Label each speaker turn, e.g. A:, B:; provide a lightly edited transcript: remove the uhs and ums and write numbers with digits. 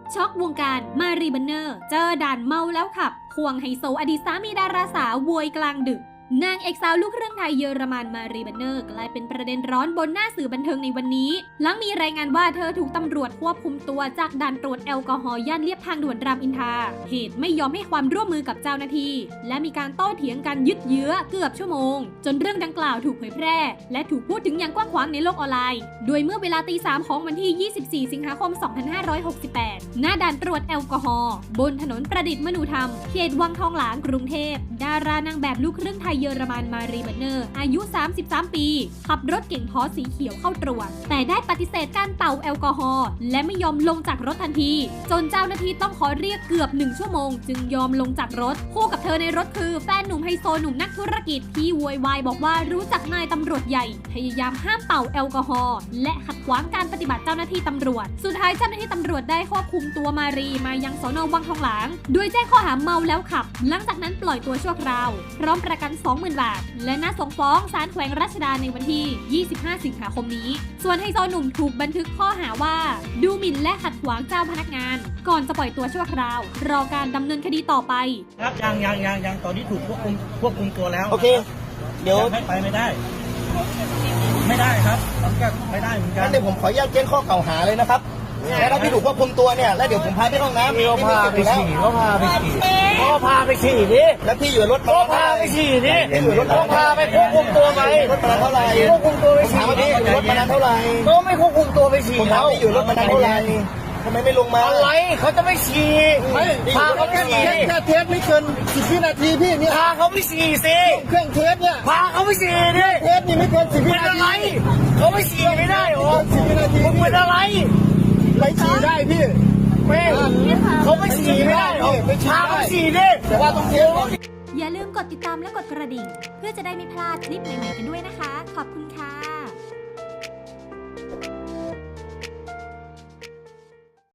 A: ช็อกวงการมารีบันเนอร์เจอด่านเมาแล้วขับควงไฮโซอดีตสามีดาราสาวโวยกลางดึกนางเอกสาวลูกครึ่งไทยเยอรมันมารีบันเนอร์กลายเป็นประเด็นร้อนบนหน้าสื่อบันเทิงในวันนี้หลังมีรายงานว่าเธอถูกตำรวจควบคุมตัวจากด่านตรวจแอลกอฮอล์ย่านเลียบทางด่วนรามอินทราเหตุไม่ยอมให้ความร่วมมือกับเจ้าหน้าที่และมีการโต้เถียงกันยืดเยื้อเกือบชั่วโมงจนเรื่องดังกล่าวถูกเผยแพร่และถูกพูดถึงอย่างกว้างขวางในโลกออนไลน์โดยเมื่อเวลาตี 3ของวันที่ 24 สิงหาคม 2568 หน้าด่านตรวจแอลกอฮอล์บนถนนประดิษฐ์มนูธรรมเขตวังทองหลางกรุงเทพดารานางแบบลูกครึ่งไทยเยอรมันมารีบันเนอร์อายุ 33 ปีขับรถเก๋งพอสีเขียวเข้าตรวจแต่ได้ปฏิเสธการเป่าแอลกอฮอล์และไม่ยอมลงจากรถทันทีจนเจ้าหน้าที่ต้องขอเรียกเกือบ1 ชั่วโมงจึงยอมลงจากรถคู่กับเธอในรถคือแฟนหนุ่มไฮโซหนุ่มนักธุรกิจที่โวยวายบอกว่ารู้จักนายตำรวจใหญ่พยายามห้ามเป่าแอลกอฮอล์และขัดขวางการปฏิบัติเจ้าหน้าที่ตำรวจสุดท้ายเจ้าหน้าที่ตำรวจได้ควบคุมตัวมารีมายังสน.วังทองหลางโดยแจ้งข้อหาเมาแล้วขับหลังจากนั้นปล่อยตัวชั่วคราวพร้อมประกัน 20,000 บาทและนัดส่งฟ้องศาลแขวงรัชดาในวันที่ 25 สิงหาคมนี้ส่วนไฮโซหนุ่มถูกบันทึกข้อหาว่าดูหมิ่นและขัดขวางเจ้าพนักงานก่อนจะปล่อยตัวชั่วคราวรอการดำเนินคดีต่อไป
B: ครับยังตอนนี้ถูกควบคุมตัวแล้ว
C: โอเคเดี๋ยว
B: ให้ไปไม่ได้ครับมันก็ไม่ได้เหมือนกัน
C: งั้นเดี๋ยวผมขออนุญาตแจ้งข้อกล่าวหาเลยนะครับแล้วถ้าพี่ถูกควบคุมตัวเนี่ยแล้วเดี๋ยวผมพาไปห้องน้ำ
B: เขาพาไปฉี่ดิ
C: แล้วพี่อยู่รถ
B: เขาพาไปฉี่ดิ
C: พี่อยู่รถ
B: เขาพาไปควบคุมตัวไหม
C: รถมานานเท่าไหร่
B: ควบคุมตัวไปฉี่
C: ถามว่าพี่อยู่รถมานานเท่าไหร่
B: ก็ไม่ควบคุมตัวไปฉี่
C: ผมถามพี่อยู่รถมานานเท่าไหร่ทำไมไม่ลงมา
B: อะไรเขาจะไม่ฉี่พาเขาไปฉี่
C: แค่เทสไม่เกิน10 วินาทีพี่เนี่ย
B: พาเขาไปฉี่สิ
C: เครื่องเทสเนี่ย
B: พาเขาไปฉี่ดิ
C: เทสนี่ไม่เกิน10 วินาที
B: เขาไม่ฉี่ไม่ได้หรอ
C: 10 วินาที
B: มึงเป็นอะไร
C: ไปฉี่ได้พี่
B: ไม่เขาไม่ฉี่ไม่ได้หรอพาเขาฉี่ดิ
C: แต่ว่าต้องเทส
A: อย่าลืมกดติดตามและกดกระดิ่งเพื่อจะได้ไม่พลาดคลิปใหม่ๆกันด้วยนะคะขอบคุณค่ะ